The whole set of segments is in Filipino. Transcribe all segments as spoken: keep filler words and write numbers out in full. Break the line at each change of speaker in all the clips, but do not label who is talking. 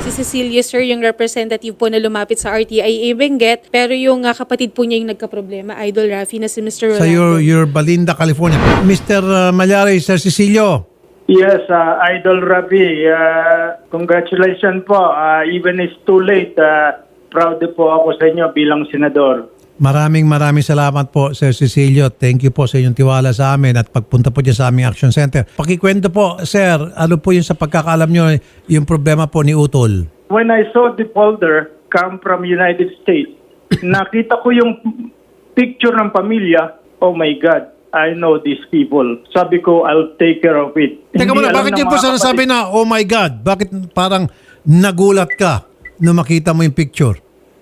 Si Cecilia, sir, yung representative po na lumapit sa R T I A Benguet, pero yung uh, kapatid po niya yung nagkaproblema, Idol Rafi, na si Mister
Sa
Rolando.
your, your Balinda, California. Mister uh, Malyari, Sir Cecilio.
Yes, uh, Idol Rafi, uh, congratulations po. Uh, even it's too late, uh, proud po ako sa inyo bilang senador.
Maraming maraming salamat po, Sir Cecilio. Thank you po sa inyong tiwala sa amin at pagpunta po dyan sa aming Action Center. Pakikwento po, Sir, ano po yung sa pagkakaalam nyo, yung problema po ni Utol?
When I saw the folder come from United States, nakita ko yung picture ng pamilya. Oh my God, I know these people. Sabi ko, I'll take care of it.
Teka
Hindi
muna,
alam
bakit
ng
yun po
mga
sinasabi
kapatid.
na, oh my God, bakit parang nagulat ka nung makita mo yung picture?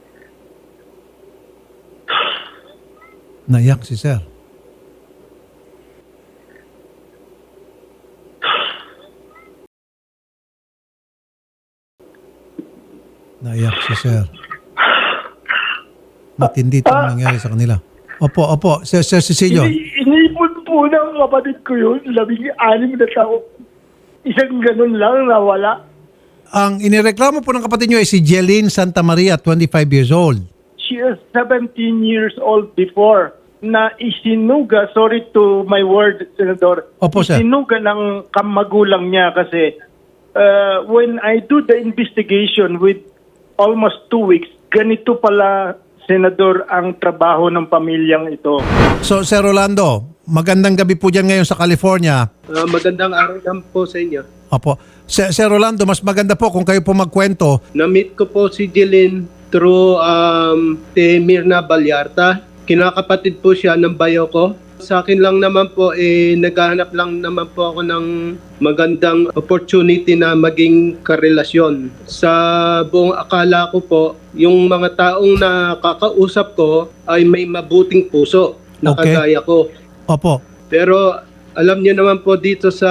Naiyak si Sir. Naiyak si Sir. Matindi itong nangyari sa kanila. Opo, opo. Sir, Sir Cecilio.
Ini- Iniipon po ng kapatid ko yun, labing anim na tao. Isang ganun lang nawala.
Ang inireklamo po ng kapatid nyo ay si Jeline Santa Maria, twenty-five years old.
She is seventeen years old before na isinuga, sorry to my word, Senador,
Opo, sir.
isinuga ng kamagulang niya kasi uh, when I do the investigation with almost two weeks, ganito pala, Senador, ang trabaho ng pamilyang ito.
So, Sir Rolando, magandang gabi po dyan ngayon sa California.
Ah, magandang araw lang po sa inyo.
Opo. Sir, Sir Rolando, mas maganda po kung kayo po magkwento.
Na-meet ko po si Jeline through um, si Mirna Balyarta. Kinakapatid po siya ng bayo ko. Sa akin lang naman po, eh, naghahanap lang naman po ako ng magandang opportunity na maging karelasyon. Sa buong akala ko po, yung mga taong nakakausap ko ay may mabuting puso na
Okay.
kagaya ko.
Opo.
Pero alam niyo naman po dito sa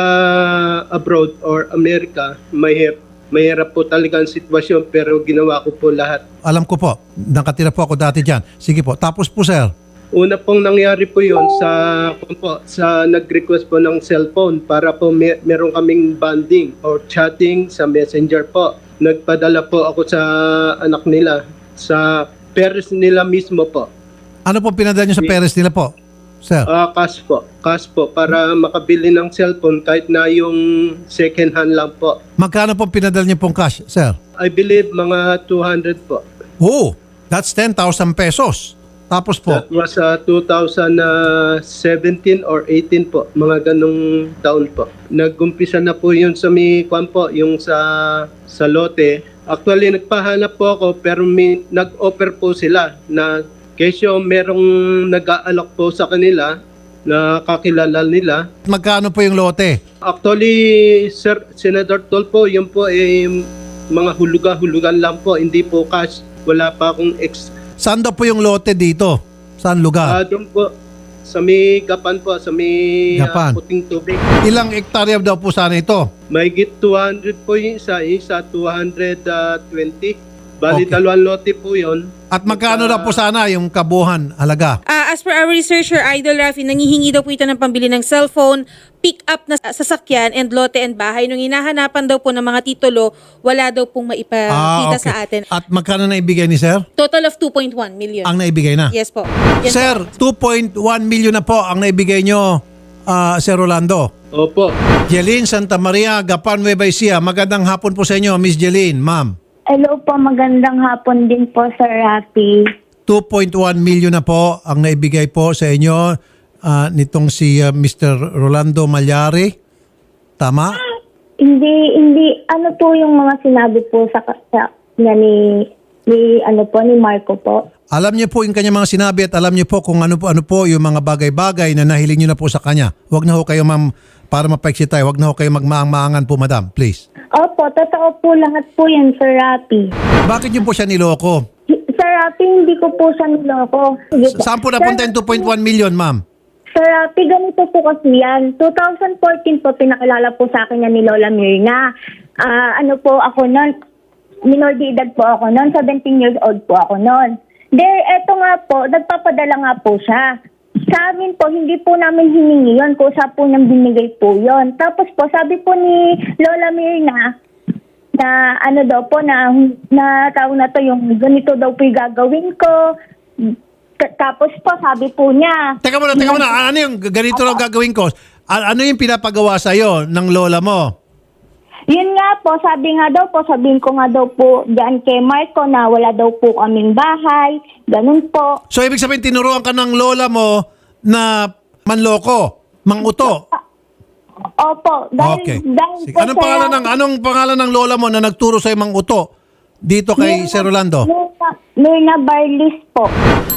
abroad or Amerika, mahirap, mahirap po talaga ang sitwasyon pero ginawa ko po lahat.
Alam ko po. Nakatira po ako dati dyan. Sige po. Tapos po, Sir.
Una pong nangyari po yon sa kung po, sa nag-request po ng cellphone para po may, meron kaming bonding or chatting sa Messenger po. Nagpadala po ako sa anak nila, sa parents nila mismo po.
Ano po pinadala nyo sa parents nila po, Sir?
Ah, cash po, cash po para makabili ng cellphone kahit na yung second hand lang po.
Magkano po pinadala nyo pong cash, Sir?
I believe mga two hundred po.
Oh, that's ten thousand pesos. Tapos po,
That was uh, two thousand seventeen or eighteen po, mga ganong taon po. Nag-umpisa na po yun sa may kwan po, yung sa, sa lote. Actually, nagpahanap po ako pero may, nag-offer po sila na kesyo merong nag-aalok po sa kanila na kakilala nila.
magkano po yung lote?
Actually, Sir Senator Tolpo, yun po ay mga hulugan-hulugan lang po, hindi po cash. Wala pa akong ex
Saan daw po yung lote dito? Saan
Ah,
lugar?
doon po, sa may Gapan po, sa may ah,
Gapan.
puting tubig.
Ilang hektarya daw po sana ito?
May git two hundred po yung isa, yung isa two hundred twenty. Bali,
Okay.
dalawang lote po yun.
At magkano daw po sana yung kabuhan halaga?
Ah, as per our researcher, Idol Rafi, nangihingi daw po ito ng pambili ng cellphone, pick up na sasakyan, and lote and bahay. Nung hinahanapan daw po ng mga titulo, wala daw pong maipakita sa atin.
At magkano na ibigay ni Sir?
Total of two point one million.
Ang naibigay na?
Yes po. Yan
Sir, two point one million na po ang naibigay nyo, ah, Sir Rolando.
Opo.
Jeline Santa Maria, Gapan, Nueva Ecija. Magandang hapon po sa inyo, Miss Jeline, ma'am.
Hello po, magandang hapon din po, Sir Rafi.
two point one million na po ang naibigay po sa inyo ah, nitong si ah, Mister Rolando Malyari. Tama?
Hindi, hindi, ano po yung mga sinabi po sa, sa niya ni, ni, ano po, ni Marco po?
Alam niyo po yung kanyang mga sinabi at alam niyo po kung ano po, ano po yung mga bagay-bagay na nahiling niyo na po sa kanya. Huwag na ho kayo, ma'am, para mapaiksi tayo. Huwag na ho kayo magmaang-maangan po, madam. Please.
Opo, totoo po lahat po yan, Sir Rafi.
Bakit niyo po siya niloko?
Sir Rafi, hindi ko po siya niloko. Sige po.
Saan po napunta yung two point one million, ma'am?
Sir Rafi, ganito po kasi yan. twenty fourteen po, pinakilala po sa akin yan ni Lola Mirna. Ah, ano po ako noon, minor de edad po ako noon, seventeen years old po ako noon. There, eto nga po, nagpapadala nga po siya. Sa amin po, hindi po namin hiningi yun. Kusa po nang binigay po yun. Tapos po, sabi po ni Lola Mirna, na ano daw po, na, na tawag na to, yung ganito daw po yung gagawin ko. T- Tapos po, sabi po niya,
Teka muna, teka muna. Ano yung ganito lang gagawin ko? A- Ano yung pinapagawa sa'yo ng lola mo?
yun nga po, sabi nga daw po, sabihin ko nga daw po dyan kay Marco na wala daw po kaming bahay, ganun po.
So, ibig sabihin, tinuruan ka ng lola mo na manloko, manguto.
Opo, dahil,
Okay.
dahil
Sige.
po
Anong
sa-
pangalan ng anong pangalan ng lola mo na nagturo sa manguto dito kay
Mirna-
Sir Rolando?
Mirna, Mirna Barlis po.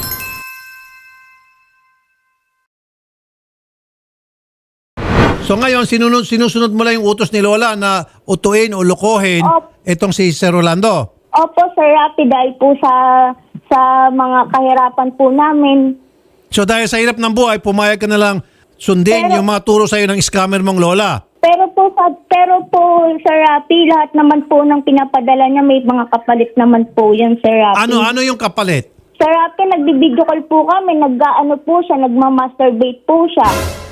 So ngayon, sinunod, sinusunod mo lang yung utos ni Lola na utuin o lukohin
Opo.
itong si Sir Rolando.
Opo, Sir Rapi, dahil po sa sa mga kahirapan po namin.
So dahil sa hirap ng buhay, pumayag ka na lang sundin
Pero-
yung mga turo sa'yo ng scammer mong Lola.
Pero po, sa, pero po, Sir Rapi, lahat naman po ng pinapadala niya, may mga kapalit naman po yan, Sir Rapi.
Ano, ano yung kapalit?
Sir Rapi, nagbibideo call po kami, nag-ano po siya, nagmamasturbate po siya.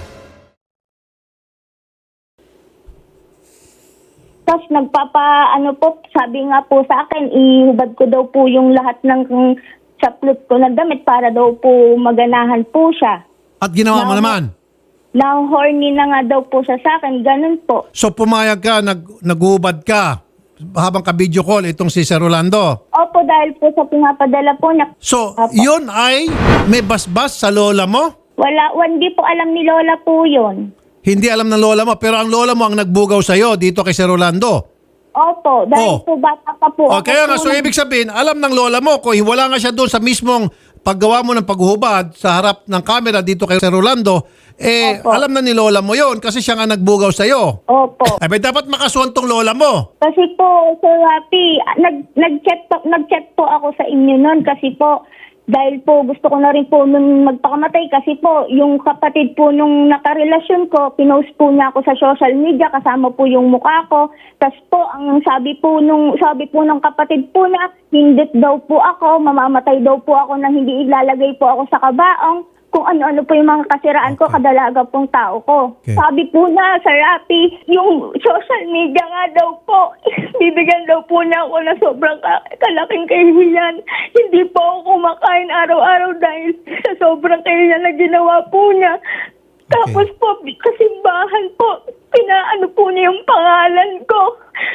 Tapos nagpapa, ano po, sabi nga po sa akin, ihubad ko daw po yung lahat ng saplot ko na damit para daw po maganahan po siya.
At ginawa mo
No.
naman.
Na horny na nga daw po siya sa akin, ganun po.
So pumayag ka, nag, naghubad ka habang ka-video call itong si Sir Rolando.
Opo, dahil po sa pinapadala po na
So,
Apo.
yun ay may basbas sa lola mo?
wala, hindi po alam ni Lola po yun.
Hindi alam ng lola mo, pero ang lola mo ang nagbugaw sa'yo dito kay Sir Rolando.
Opo, dahil
Oh.
po bata pa po.
O
ako
kaya nga,
po
so
nag-
ibig sabihin, alam ng lola mo, kung wala nga siya doon sa mismong paggawa mo ng paghuhubad sa harap ng camera dito kay Sir Rolando, eh,
Opo.
alam na ni lola mo yon kasi siya nga nagbugaw sa'yo.
Opo.
Ay, ba, dapat makasuhan tong lola mo.
Kasi po, Sir Rapi, nag, nag-chat po, nag-chat po ako sa inyo noon kasi po, dahil po gusto ko na rin po nung magpakamatay kasi po, yung kapatid po nung nakarelasyon ko, pinost po niya ako sa social media, kasama po yung mukha ko. Tapos po, ang sabi po nung, sabi po ng kapatid po na, hindit daw po ako, mamamatay daw po ako na hindi ilalagay po ako sa kabaong. Kung ano-ano po yung mga kasiraan ko, kadalaga pong tao ko.
Okay.
Sabi po na, Sir Rapi, yung social media nga daw po, bibigyan daw po niya ako na sobrang ka- kalaking kahihiyan. Hindi po ako kumakain araw-araw dahil sa sobrang kahihiyan na ginawa po niya. Tapos po, kasimbahan po, pinaano po niya yung pangalan ko.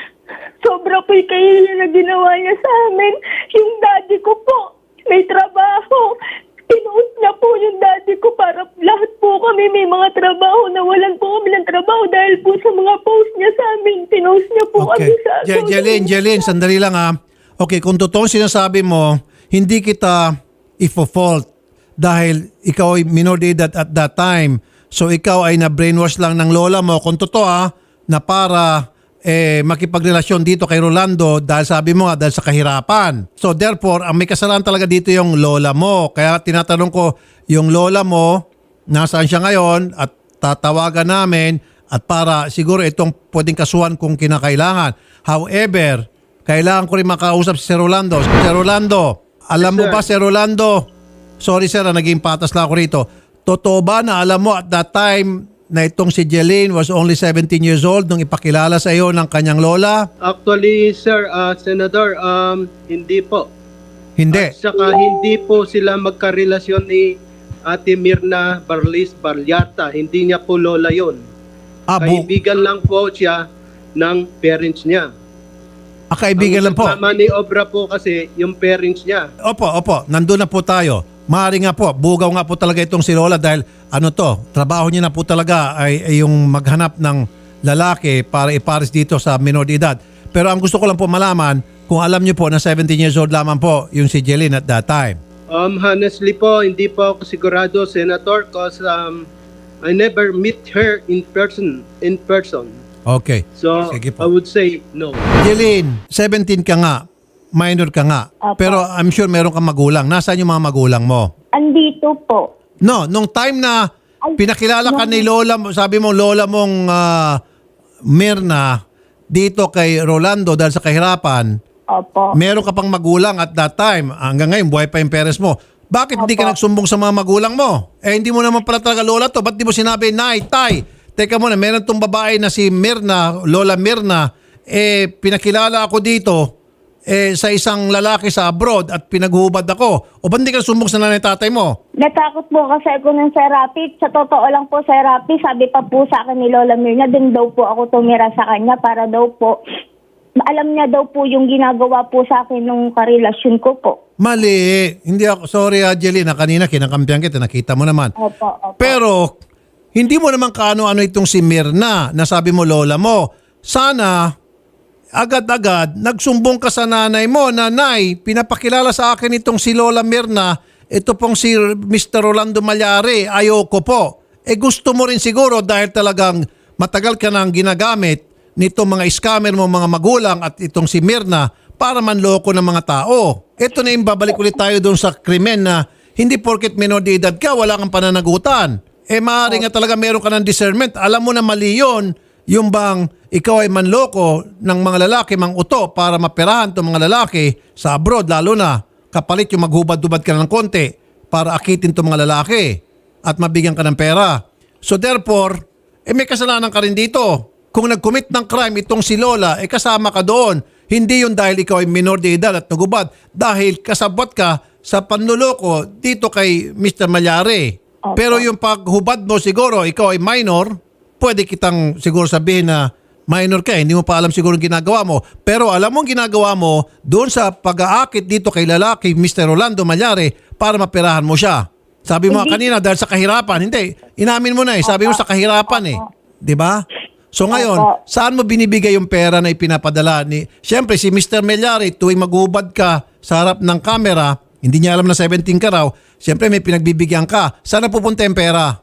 Sobra po yung kahihiyan na ginawa niya sa amin. Yung daddy ko po, may trabaho. Pinuot niya po yung daddy ko para lahat po kami may mga trabaho. Nawalan po kami ng trabaho dahil po sa mga post niya sa amin. Pinost niya po kami
Okay.
sa
Je- Jeline, Jeline, sandali lang ha. Okay, kung totoong sinasabi mo, hindi kita ifo-fault dahil ikaw ay minor de edad at that time. So ikaw ay na-brainwash lang ng lola mo. Kung totoo ha, na para eh, makipagrelasyon dito kay Rolando dahil sabi mo nga, dahil sa kahirapan. So therefore, ang may kasalanan talaga dito yung lola mo. Kaya tinatanong ko, yung lola mo, nasaan siya ngayon at tatawagan namin at para siguro itong pwedeng kasuhan kung kinakailangan. However, kailangan ko rin makausap si Sir Rolando. Sir Rolando, alam mo
Yes, sir.
ba Sir Rolando? Sorry sir, ah, naging patas lang ako rito. Totoo ba na alam mo at that time na itong si Jeline was only seventeen years old nung ipakilala sa iyo ng kanyang lola?
Actually, sir, uh, Senator, um, hindi po.
Hindi.
At saka hindi po sila magkarelasyon ni Ate Mirna Barlis Balyarta. Hindi niya po lola yon.
Ah, bu-
Kaibigan lang po siya ng parents niya.
ah, kaibigan lang po.
Ang kasama ni Obra po kasi yung parents niya.
Opo, opo. Nandun na po tayo. Maaari nga po, bugaw nga po talaga itong si Lola dahil ano to, trabaho niya na po talaga ay, ay yung maghanap ng lalaki para ipares dito sa minor de edad. Pero ang gusto ko lang po malaman, kung alam niyo po na seventeen years old lamang po yung si Jeline at that time.
Um, honestly po, hindi po ako sigurado, Senator, because um, I never meet her in person. In person.
Okay.
So,
Sige
I
po.
would say no.
Jeline, seventeen ka nga, minor ka nga.
Apo.
Pero I'm sure meron kang magulang. Nasaan yung mga magulang mo?
Andito po.
No, nung time na
Ay,
pinakilala ka
nung-
ni Lola, mo- sabi mo Lola mong ah, Mirna dito kay Rolando dahil sa kahirapan,
Opo.
meron ka pang magulang at that time. Hanggang ngayon, buhay pa yung parents mo. Bakit hindi ka
Opo.
nagsumbong sa mga magulang mo? Eh, hindi mo naman pala talaga Lola to. Ba't di mo sinabi, Nay, Tay, teka muna, meron tong babae na si Mirna, Lola Mirna, eh pinakilala ako dito eh sa isang lalaki sa abroad at pinaghubad ako. O ba hindi ka sumbong sa nanay tatay mo?
Natakot po kasi ako ng Sir Rafi. Sa totoo lang po, Sir Rafi, sabi pa po sa akin ni Lola Mirna, din daw po ako tumira sa kanya para daw po, alam niya daw po yung ginagawa po sa akin nung karelasyon ko po.
Mali. Hindi ako, sorry Angelina, kanina kinakampihan kita, nakita mo naman.
Opo, opo.
Pero, hindi mo naman kaano-ano itong si Mirna na sabi mo lola mo. Sana, agad-agad, nagsumbong ka sa nanay mo, nanay, pinapakilala sa akin itong si Lola Mirna, ito pong si Mister Rolando Malyari, ayoko po. Eh gusto mo rin siguro dahil talagang matagal ka nang ginagamit nitong mga scammer mo, mga magulang at itong si Mirna para manloko ng mga tao. Ito na yung babalik ulit tayo doon sa krimen na hindi porket minor de edad ka, wala kang pananagutan. Eh maaari nga talaga meron ka ng discernment. Alam mo na mali yun, yung bang ikaw ay manloko ng mga lalaki, mang uto para maperahan itong mga lalaki sa abroad, lalo na kapalit yung maghubad-hubad ka ng konti para akitin itong mga lalaki at mabigyan ka ng pera. So therefore, eh may kasalanan ka rin dito. Kung nag-commit ng crime itong si Lola, eh kasama ka doon. Hindi yun dahil ikaw ay minor de edad at nagubad. Dahil kasabot ka sa panluloko dito kay Mister Malyari.
Opo.
Pero yung paghubad mo siguro, ikaw ay minor, pwede kitang siguro sabihin na minor ka, hindi mo pa alam siguro yung ginagawa mo. Pero alam mo ang ginagawa mo doon sa pag-aakit dito kay lalaki, Mister Rolando Malyari, para maperahan mo siya. Sabi mo
Hindi.
kanina dahil sa kahirapan. Hindi, inamin mo na eh. Sabi mo sa kahirapan eh. Di ba? So ngayon,
Opo.
saan mo binibigay yung pera na ipinapadala ni... Siyempre, si Mister Malyari, tuwing maghubad ka sa harap ng camera, hindi niya alam na seventeen ka raw, siyempre may pinagbibigyan ka. Saan napupunta yung pera?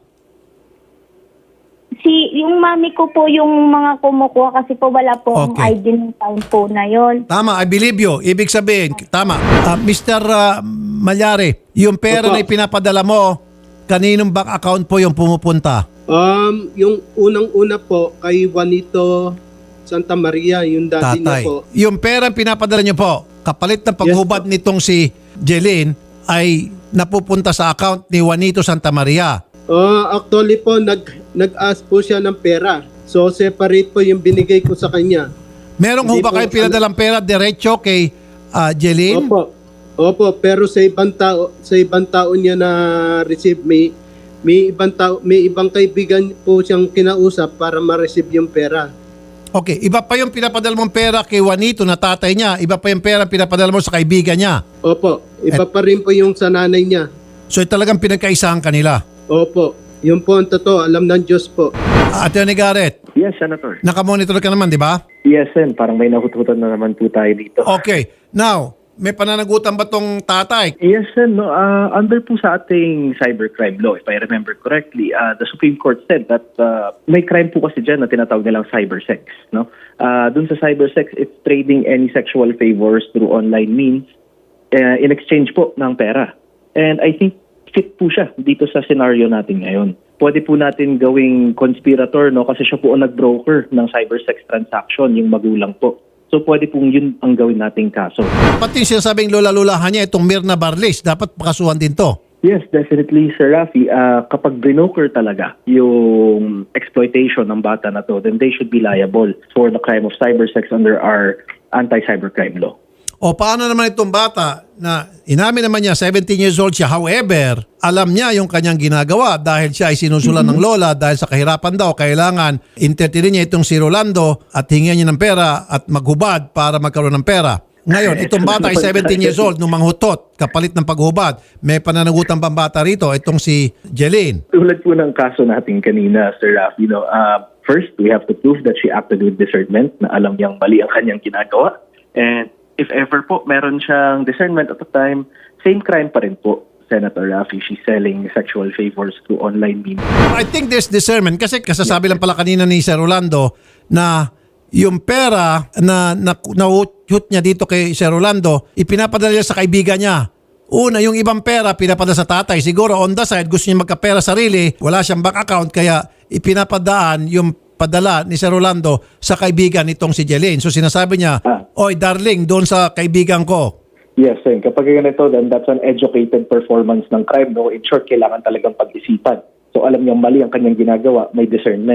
Si, yung mami ko po yung mga kumukuha kasi po wala po ang
Okay.
I D ng time po na yon.
Tama, I believe you. Ibig sabihin, tama. Ah, Mister ah, Malyari, yung pera
Opo.
na ipinapadala mo, kaninong bank account po yung pumupunta?
Um, yung unang-una po kay Juanito Santa Maria, yung daddy niya
Tatay.
po.
Yung pera pinapadala niyo po, kapalit ng paghubad
Yes,
nitong si Jeline, ay napupunta sa account ni Juanito Santa Maria.
Uh, actually po, nag, nag-ask po siya ng pera. So, separate po yung binigay ko sa kanya.
Merong ho
Hindi
ba
po,
kayo pinadalang pera diretso kay ah, Jeline?
Opo. Opo, pero sa ibang tao, sa ibang tao niya na receive may may ibang tao, may ibang kaibigan po siyang kinausap para ma-receive yung pera.
Okay, iba pa yung pinapadala mong pera kay Juanito na tatay niya, iba pa yung pera pinapadala mo sa kaibigan niya.
Opo, iba pa rin po yung sa nanay niya.
So talagang pinagkaisahan kanila.
Opo, yun po ang totoo, alam ng Diyos po.
Attorney Garrett,
Yes, Senator.
nakamonitor ka naman, di ba?
Yes, Sen. Parang may nahututan na naman po tayo dito.
Okay. Now, may pananagutan ba tong tatay?
Yes, Sen. No, uh, under po sa ating cybercrime law, if I remember correctly, uh, the Supreme Court said that uh, may crime po kasi dyan na tinatawag nilang cybersex. No? Uh, dun sa cybersex, it's trading any sexual favors through online means uh, in exchange po ng pera. And I think fit po siya dito sa scenario natin ngayon. Pwede po natin gawing conspirator, no, kasi siya po ang nag-broker ng cybersex transaction, yung magulang po. So pwede pong yun ang gawin nating kaso.
Pati yung sinasabing lola-lulahan niya, itong Mirna Barlis, dapat pakasuhan din to.
Yes, definitely, Sir Rafi. Uh, kapag broker talaga yung exploitation ng bata na to, then they should be liable for the crime of cybersex under our anti-cybercrime law.
O paano naman itong bata na inamin naman niya, seventeen years old siya. However, alam niya yung kanyang ginagawa dahil siya ay sinusulan ng lola dahil sa kahirapan daw, kailangan entertainin niya itong si Rolando at hingyan niya ng pera at maghubad para magkaroon ng pera. Ngayon, itong bata ay seventeen years old nung manghutot, kapalit ng paghubad. May pananagutan pang bata rito, itong si Jeline.
Tulad po ng kaso natin kanina, Sir Rafi, no, uh, first, we have to prove that she acted with discernment, na alam niyang mali ang kanyang ginagawa. And if ever po meron siyang discernment at the time, same crime pa rin po, Senator Rafi. She's selling sexual favors through online means.
I think there's discernment kasi kasasabi lang pala kanina ni Sir Rolando na yung pera na na-hoot niya dito kay Sir Rolando, ipinapadala niya sa kaibigan niya. Una, yung ibang pera pinapadala sa tatay. Siguro on the side, gusto niya magkapera sarili, wala siyang bank account, kaya ipinapadaan yung padala ni Sir Rolando sa kaibigan nitong si Jeline. So sinasabi niya,
Ah.
oy darling, doon sa kaibigan ko.
Yes, sir. Kapag ganito, then that's an educated performance ng crime. No? In short, kailangan talagang pag-isipan. So alam niyang mali ang kanyang ginagawa, may discernment.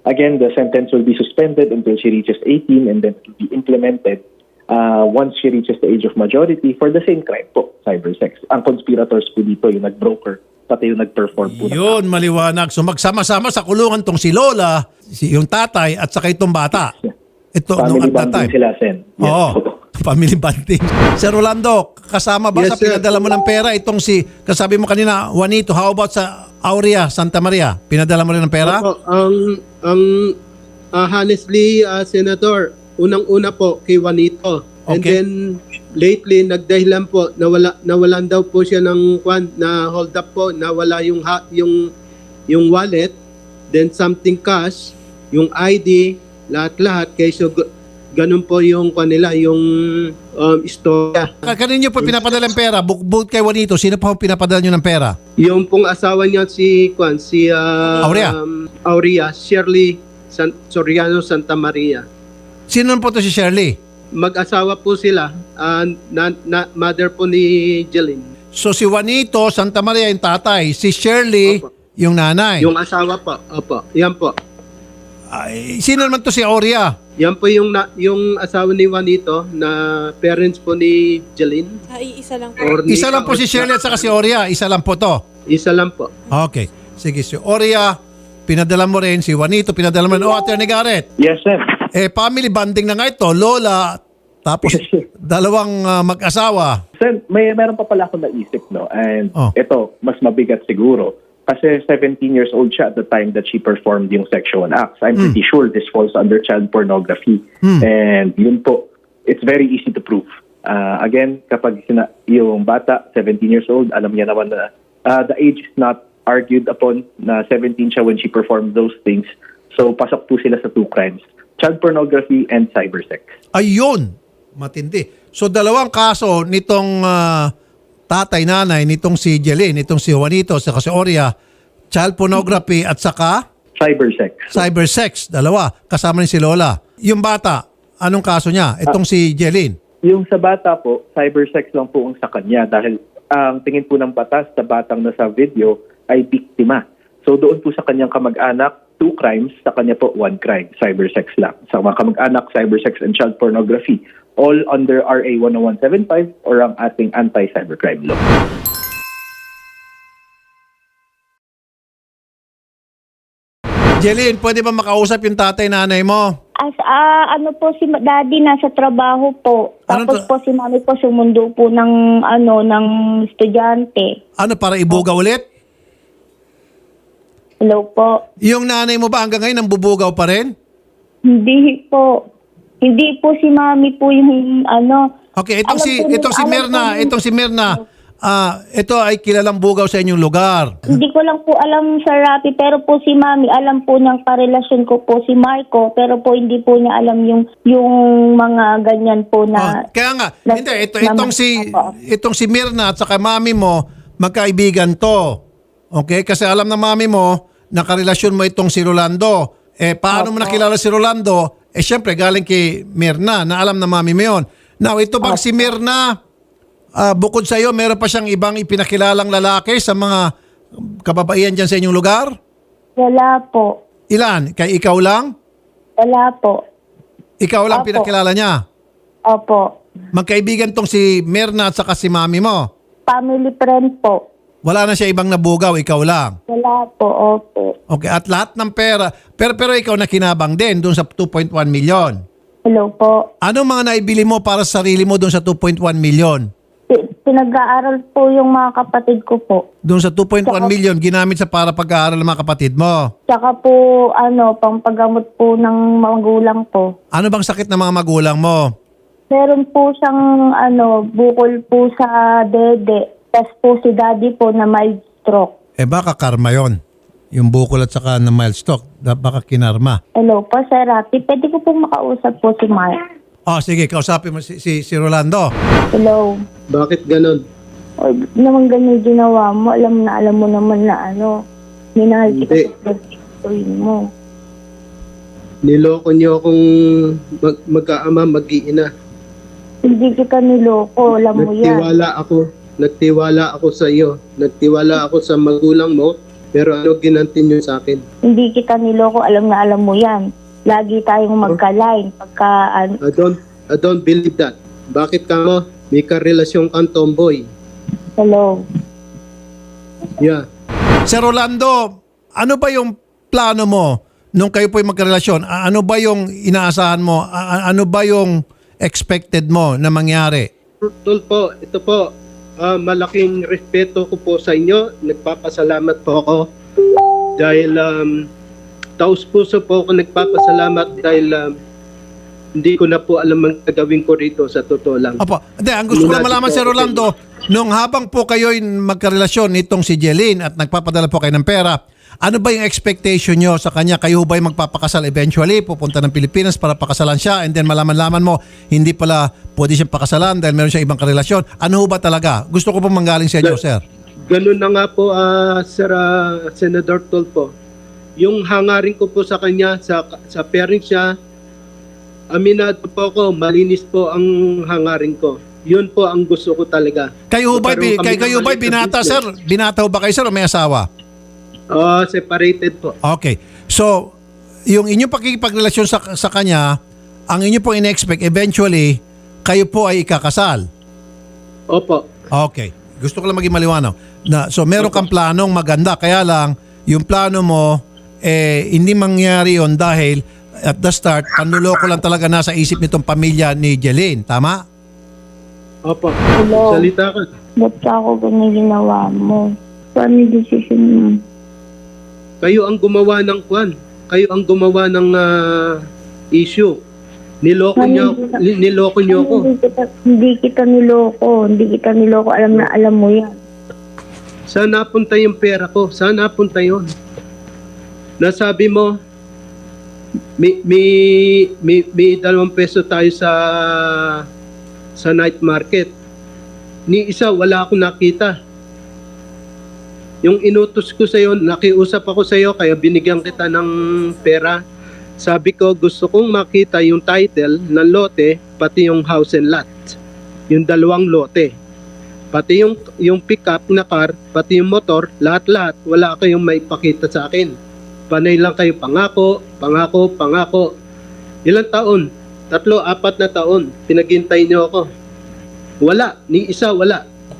Again, the sentence will be suspended until she reaches eighteen and then it will be implemented uh, once she reaches the age of majority for the same crime po, cyber sex. Ang conspirators po dito, yung nag-broker, pati yung nag-perform po. ng-
Yun, maliwanag. So magsama-sama sa kulungan tong si Lola, si yung tatay at saka itong bata. Ito nung
Family
at that
bonding
time.
sila, Sen. Yes
Oo.
po.
Family bonding. Sir Rolando, kasama ba
Yes,
sa
sir.
pinadala mo ng pera itong si, kasabi mo kanina, Juanito, how about sa Aurea, Santa Maria? Pinadala mo rin ng pera?
Opo, ang ang ah, honestly, ah, Senator, unang-una po kay Juanito. And
Okay.
then lately nagdahilan po nawala nawalan daw po siya ng kwan na hold up po, nawala yung ha, yung yung wallet, then something cash, yung I D, lahat-lahat kay so g- ganun po yung kwan nila, yung um, istorya.
Ka- Kanino po pinapadala ng pera? Bukod kay Juanito, sino pa po pinapadala nyo ng pera?
Yung pong asawa niya si kwan si ah,
Aurea.
um, Aurea, Shirley San, Soriano Santa Maria.
Sino naman po to si Shirley?
Mag-asawa po sila, ah, na, na, mother po ni Jeline.
So si Juanito, Santa Maria yung tatay, si Shirley
Opo.
yung nanay.
Yung asawa po, opo, yan po.
Ay, sino naman to si Aurea?
Yan po yung, na, yung asawa ni Juanito na parents po ni Jeline.
Ay, isa lang po.
Or ni-
Isa lang po si Shirley at saka si Aurea. Isa lang po to.
Isa lang po.
Okay. Sige, si Aurea, pinadala mo rin. Si Juanito, pinadala mo rin. O, Atty. Garrett.
Yes, Sen.
Eh, family bonding na nga ito. Lola, tapos dalawang ah, mag-asawa.
Sen, may meron pa pala ako naisip, no? And
Oh.
ito, mas mabigat siguro. Kasi seventeen years old siya at the time that she performed yung sexual acts. I'm pretty sure this falls under child pornography. And yun po, it's very easy to prove. Uh, again, kapag sina- yung bata, seventeen years old, alam niya naman na uh, the age is not argued upon, na seventeen siya when she performed those things. So, pasok po sila sa two crimes. Child pornography and cybersex.
Ayun. Matindi. So, dalawang kaso nitong ah, tatay-nanay, nitong si Jeline, nitong si Juanito, saka si Aurea, child pornography at saka
Cybersex.
cybersex. Dalawa. Kasama rin si Lola. Yung bata, anong kaso niya? Itong si Jeline.
Yung sa bata po, cybersex lang po ang sa kanya dahil ang tingin po ng batas sa batang nasa video ay biktima. So doon po sa kanyang kamag-anak, two crimes, sa kanya po one crime, cybersex lang. Sa mga kamag-anak, cybersex and child pornography, all under R A one oh one seven five or ang ating anti-cybercrime law.
Jeline, pwede ba makausap yung tatay-nanay mo?
As ah, ano po si daddy nasa trabaho po.
Anong
Tapos
tra-
po si mami po sumundo po ng ano ng estudyante.
Ano, para ibuga ulit?
Hello po.
Yung nanay mo ba hanggang ngayon nambubugaw pa rin?
Hindi po. Hindi po si mami po yung ano.
Okay, itong
Alam
si
po ni-
itong si
alam
Mirna,
po ni-
itong si Mirna, ah, ito ay kilalang bugaw sa inyong lugar.
Hindi ko lang po alam sa Rapi, pero po si Mami, alam po niyang karelasyon ko po si Marco, pero po hindi po niya alam yung yung mga ganyan po
Oh,
na...
kaya nga,
na-
hindi ito
na-
itong si
Opo.
itong si Mirna at saka mami mo, magkaibigan to. Okay? Kasi alam na mami mo na karelasyon mo itong si Rolando. Eh paano mo
Opo.
nakilala si Rolando? Eh syempre galing kay Mirna na alam na mami mo 'yon. Now, ito bang si Mirna, ah, bukod sa iyo, meron pa siyang ibang ipinakilalang lalaki sa mga kababaihan dyan sa inyong lugar?
Wala po.
Ilan? Kay ikaw lang?
Wala po.
Ikaw lang
Opo.
pinakilala niya?
Opo.
Magkaibigan tong si Mirna at saka si mami mo?
Family friend po.
Wala na siya ibang nabugaw, ikaw lang?
Wala po. Opo.
Okay, at lahat ng pera, pero, pero ikaw nakinabang din doon sa two point one million.
Hello po.
Ano mga naibili mo para sa sarili mo doon sa two point one million?
Pi- Pinag-aaral po yung mga kapatid ko po.
Doon sa two point one million, ginamit sa para pag-aaral ng mga kapatid mo.
Tsaka po, ano, pampagamot po ng magulang po.
Ano bang sakit ng mga magulang mo?
Meron po siyang, ano, bukol po sa dede. Tapos po si daddy po na mild stroke.
Eh baka karma yon. Yung bukol at saka na mild stroke, da- baka kinarma.
Hello po, Sir Rapi. Pwede ko po makausap po si Mark.
Oh, sige, kausapin mo si, si, si Rolando.
Hello.
Bakit ganon?
O, ba't naman ganyan ginawa mo? Alam na, alam mo naman na ano. Minahal kita
Hindi.
sa pagkakuin mo.
Niloko niyo akong mag- magkaama, mag-iina.
Hindi kita niloko. Alam mo yan.
Nagtiwala ako. Nagtiwala ako sa iyo. Nagtiwala ako sa magulang mo Pero ano ginanti niyo sa akin?
Hindi kita niloko, alam na alam mo yan. Lagi tayong magka-line. Pagka, ano,
I don't, I don't believe that. Bakit ka mo? May karelasyon kang tomboy.
hello.
Yeah.
Sir Rolando, ano ba yung plano mo nung kayo po'y magkarelasyon? A- Ano ba yung inaasahan mo? A- a- Ano ba yung expected mo na mangyari?
Tol po, ito po, ah, malaking respeto ko po sa inyo. Nagpapasalamat po ako dahil um, taos puso po ako nagpapasalamat dahil um, hindi ko na po alam ang gagawin ko rito sa totoo lang.
Opo. Hindi, ang gusto ko lang malaman, Sir Rolando, nung habang po kayo'y magkarelasyon nitong si Jeline at nagpapadala po kayo ng pera, ano ba yung expectation nyo sa kanya? Kayo ba'y magpapakasal eventually? Pupunta ng Pilipinas para pakasalan siya and then malaman-laman mo, hindi pala pwede siyang pakasalan dahil meron siyang ibang karelasyon. Ano ho ba talaga? Gusto ko pong manggaling sa inyo, sir.
Ganun na nga po, ah, Sir ah, Senator Tolpo. Yung hangarin ko po sa kanya, sa, sa parents niya, aminado po ako, malinis po ang hangarin ko. Yun po ang gusto ko talaga.
Kayo ho ba'y,
Magkaroon kami
kayo, kayo
ng
ba'y
maliit na
binata,
business.
sir? Binata ho ba kayo, sir, o may asawa?
Oh, separated po.
Okay. So, yung inyong pakikipagrelasyon sa, sa kanya, ang inyo pong in-expect, eventually, kayo po ay ikakasal.
Opo.
Okay. Gusto ko lang maging maliwanag. Na, so, meron kang planong maganda. Kaya lang, yung plano mo, eh, hindi mangyari yon dahil at the start, panluloko lang talaga nasa isip nitong pamilya ni Jeline. Tama?
Opo.
Hello.
Salita ka.
Ba't ka ako ganyan ginawa mo? Paano yung decision mo?
Kayo ang gumawa ng kwan. Kayo ang gumawa ng ah, issue. Niloko niyo, ni- niloko niyo ako.
Hindi kita, hindi kita niloko. Hindi kita niloko. Alam na alam mo yan.
Saan napunta yung pera ko? Saan napunta yun? Nasabi mo, may, may, may, may dalawang peso tayo sa sa night market. Ni isa, wala akong nakita. Yung inutos ko sa'yo, nakiusap ako sa'yo, kaya binigyan kita ng pera. Sabi ko, gusto kong makita yung title ng lote, pati yung house and lot. Yung dalawang lote. Pati yung, yung pick-up na car, pati yung motor, lahat-lahat, wala kayong maipakita sa akin. Panay lang kayo pangako, pangako, pangako. Ilang taon? Tatlo, apat na taon. Pinaghintay niyo ako. Wala, ni isa wala.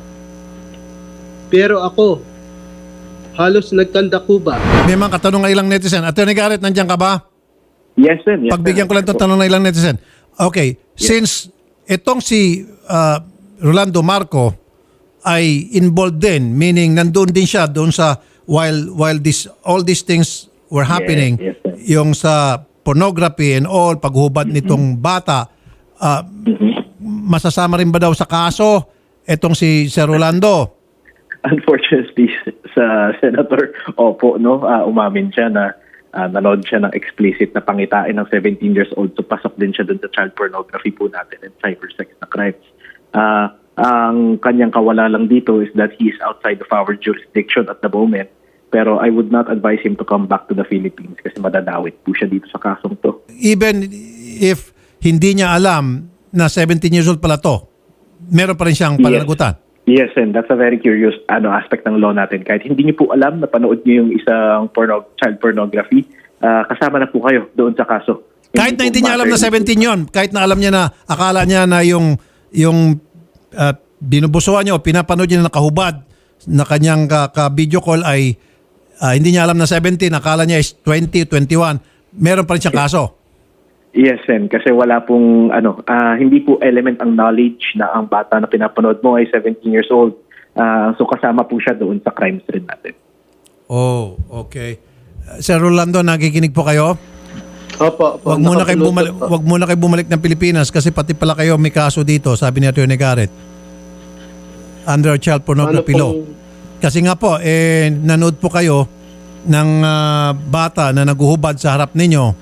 Pero ako, halos nagkanda kuba.
May mga katanong ng ilang netizen. Attorney Garrett, nandiyan ka ba?
Yes, sir. Yes,
Pagbigyan
sir.
ko lang itong tanong ng ilang netizen. Okay, since itong si uh, Rolando Marco ay involved din, meaning nandun din siya doon sa while while this all these things were happening,
yes, sir.
yung sa pornography and all, paghubad nitong bata, uh, masasama rin ba daw sa kaso itong si Sir Rolando?
Unfortunately, sa Senator, opo, no, ah, umamin siya na ah, nanood siya ng explicit na pangitain ng seventeen years old, so pasok din siya dun sa child pornography po natin and cybersex na crimes. Ah, ang kanyang kawala lang dito is that he is outside of our jurisdiction at the moment, pero I would not advise him to come back to the Philippines kasi madadawit po siya dito sa kasong to.
Even if hindi niya alam na seventeen years old pala to, meron pa rin siyang pananagutan.
Yes, and that's a very curious ano aspect ng law natin. Kahit hindi niyo po alam na panood niyo yung isang porno, child pornography, ah, kasama na po kayo doon sa kaso.
Kahit na
po
hindi niya alam na
matter-
seventeen yon, kahit na alam niya na, akala niya na yung, yung uh, binubusuan niya o pinapanood niya na nakahubad na kanyang ka, ka video call ay uh, hindi niya alam na seventeen, akala niya is twenty, twenty-one, meron pa rin siyang kaso.
Yes, and kasi wala pong ano, ah, hindi po element ang knowledge na ang bata na pinapanood mo ay seventeen years old. Ah, so kasama po siya doon sa crimes rin natin.
Oh, okay. Uh, Sir Rolando, nakikinig po kayo?
Opo, opo.
Wag muna kayo
Nakapulutan
bumalik,
po.
wag muna kayo bumalik ng Pilipinas kasi pati pala kayo may kaso dito, sabi ni Attorney Garrett. Under child pornography
Ano
law.
pong-
Kasi nga po, eh, nanood po kayo ng ah, bata na naguhubad sa harap ninyo.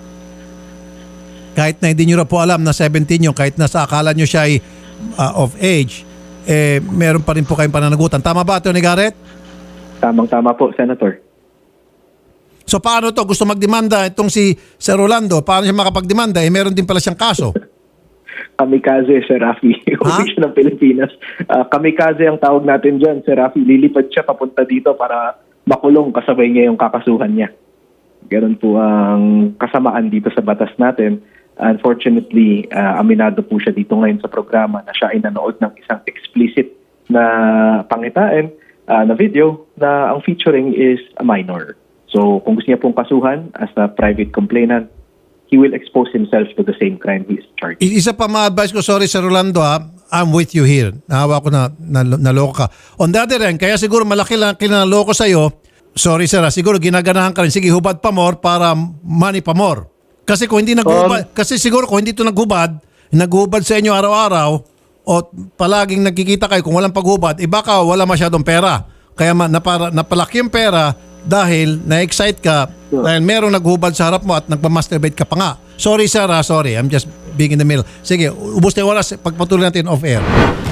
Kahit na hindi nyo na po alam na seventeen nyo, kahit na sa akala nyo siya ay ah, of age, eh, meron pa rin po kayong pananagutan. Tama ba, Attorney Garrett?
Tamang-tama po, Senator.
So paano to? Gusto magdemanda itong si Sir Rolando? Paano siya makapagdemanda? Eh, meron din pala siyang kaso.
Kamikaze, Sir Rafi.
Ha?
Uwi siya ng Pilipinas. Ah, kamikaze ang tawag natin dyan, Sir Rafi. Lilipad siya papunta dito para makulong kasabay niya yung kakasuhan niya. Ganun po ang kasamaan dito sa batas natin. Unfortunately, uh, aminado po siya dito ngayon sa programa na siya ay nanood ng isang explicit na pangitain uh, na video na ang featuring is a minor. So kung gusto niya pong kasuhan as a private complainant, he will expose himself to the same crime he is charged.
I- Isa pa ma-advise ko, sorry Sir Rolando ha, I'm with you here. Nahawa ko na, na naloko ka. On the other hand, kaya siguro malaki lang kinaloko sa'yo, sorry sir ha, siguro ginaganahan ka rin, sige hubad pa more para money pa more. Kasi kung hindi naghubad, kasi siguro kung hindi ito naghubad, naghubad sa inyo araw-araw, o palaging nagkikita kayo kung walang paghubad, eh baka wala masyadong pera. Kaya ma, napara, napalaki yung pera dahil na-excite ka dahil merong naghubad sa harap mo at nagpa-masturbate ka pa nga. Sorry sir ha, sorry. I'm just being in the middle. Sige, ubos na yung oras. Pagpatuloy natin off-air.